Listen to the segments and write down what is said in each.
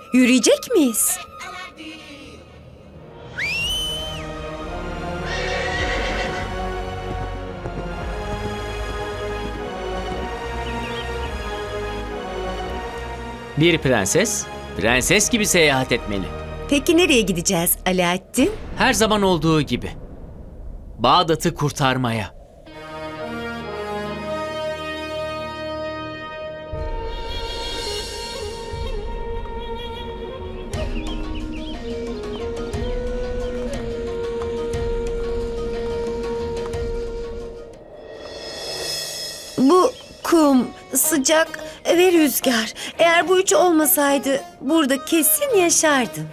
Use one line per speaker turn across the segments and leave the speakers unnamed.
Yürüyecek miyiz?
Bir prenses, prenses gibi seyahat etmeli.
Peki nereye gideceğiz Alaaddin?
Her zaman olduğu gibi. Bağdat'ı kurtarmaya.
Bu kum, sıcak ve rüzgar. Eğer bu üçü olmasaydı burada kesin yaşardım.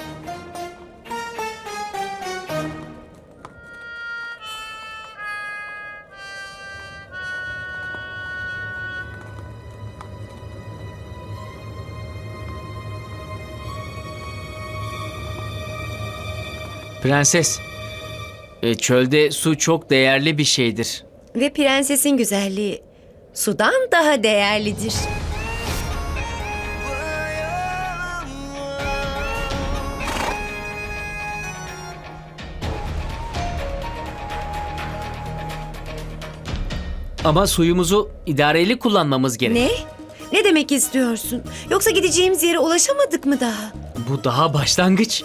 Prenses, çölde su çok değerli bir şeydir.
Ve prensesin güzelliği sudan daha değerlidir.
Ama suyumuzu idareli kullanmamız gerek.
Ne? Ne demek istiyorsun? Yoksa gideceğimiz yere ulaşamadık mı daha?
Bu daha başlangıç.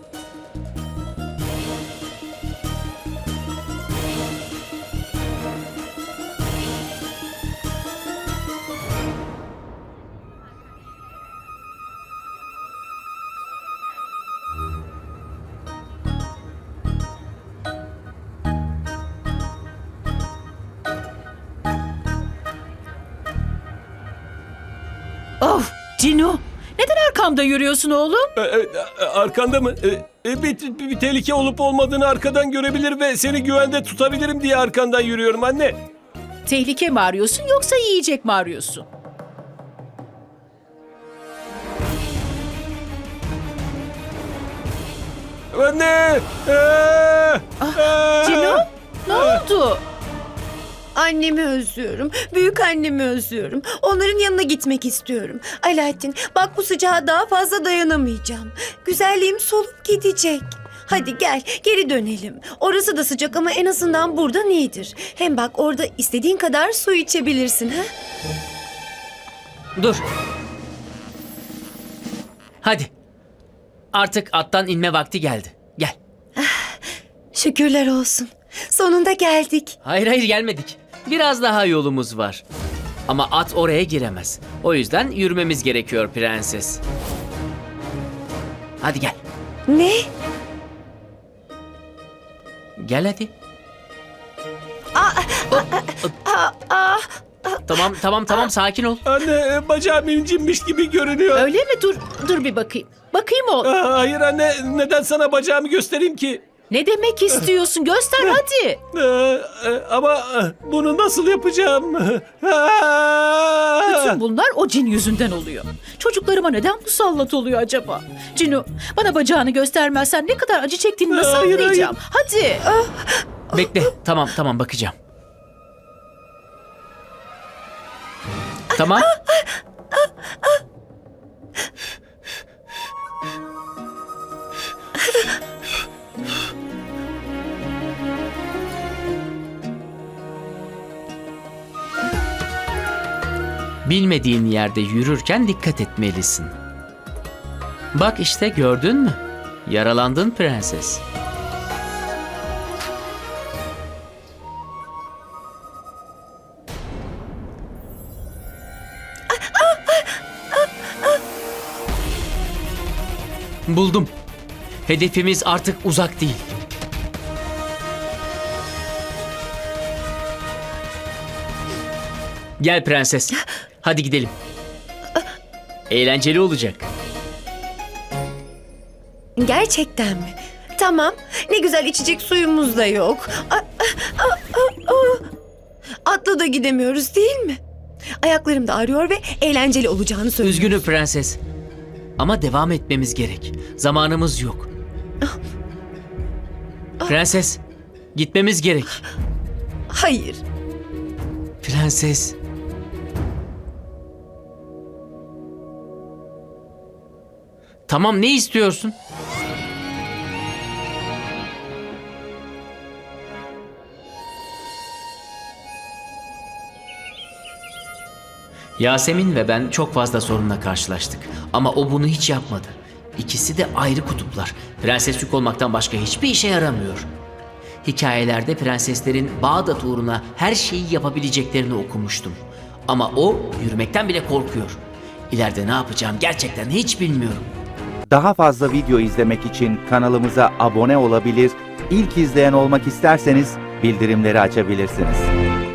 Of Cino, neden arkamda yürüyorsun oğlum?
Arkanda mı? Bir tehlike olup olmadığını arkadan görebilir ve seni güvende tutabilirim diye arkandan yürüyorum anne.
Tehlike mi arıyorsun yoksa yiyecek mi arıyorsun?
Anne!
Cino, ne oldu?
Annemi özlüyorum. Büyük annemi özlüyorum. Onların yanına gitmek istiyorum. Alaaddin, bak bu sıcağa daha fazla dayanamayacağım. Güzelliğim solup gidecek. Hadi gel, geri dönelim. Orası da sıcak ama en azından buradan iyidir. Hem bak orada istediğin kadar su içebilirsin, ha?
Dur. Hadi. Artık attan inme vakti geldi. Gel.
Şükürler olsun. Sonunda geldik.
Hayır gelmedik. Biraz daha yolumuz var. Ama at oraya giremez. O yüzden yürümemiz gerekiyor prenses. Hadi gel.
Ne?
Gel hadi.
Aa,
Tamam sakin ol.
Anne bacağım incinmiş gibi görünüyor.
Öyle mi? Dur bir bakayım. Bakayım oğlum.
Hayır anne neden sana bacağımı göstereyim ki?
Ne demek istiyorsun? Göster hadi.
Ama bunu nasıl yapacağım?
Bütün bunlar o cin yüzünden oluyor. Çocuklarıma neden musallat oluyor acaba? Cino, bana bacağını göstermezsen ne kadar acı çektiğini nasıl
Hayır,
anlayacağım? Hadi.
Bekle. Tamam bakacağım. Tamam. Bilmediğin yerde yürürken dikkat etmelisin. Bak işte gördün mü? Yaralandın prenses. Buldum. Hedefimiz artık uzak değil. Gel prenses. Hadi gidelim. Eğlenceli olacak.
gerçekten mi? Tamam. Ne güzel içecek suyumuz da yok. Atla da gidemiyoruz değil mi? Ayaklarım da ağrıyor ve eğlenceli olacağını söylüyor.
Üzgünüm prenses. Ama devam etmemiz gerek. Zamanımız yok. Prenses, gitmemiz gerek.
Hayır.
Prenses. Tamam, ne istiyorsun? Yasemin ve ben çok fazla sorunla karşılaştık. Ama o bunu hiç yapmadı. İkisi de ayrı kutuplar. Prenses yük olmaktan başka hiçbir işe yaramıyor. Hikayelerde prenseslerin Bağdat uğruna her şeyi yapabileceklerini okumuştum. Ama o yürümekten bile korkuyor. İleride ne yapacağım gerçekten hiç bilmiyorum.
Daha fazla video izlemek için kanalımıza abone olabilir, ilk izleyen olmak isterseniz bildirimleri açabilirsiniz.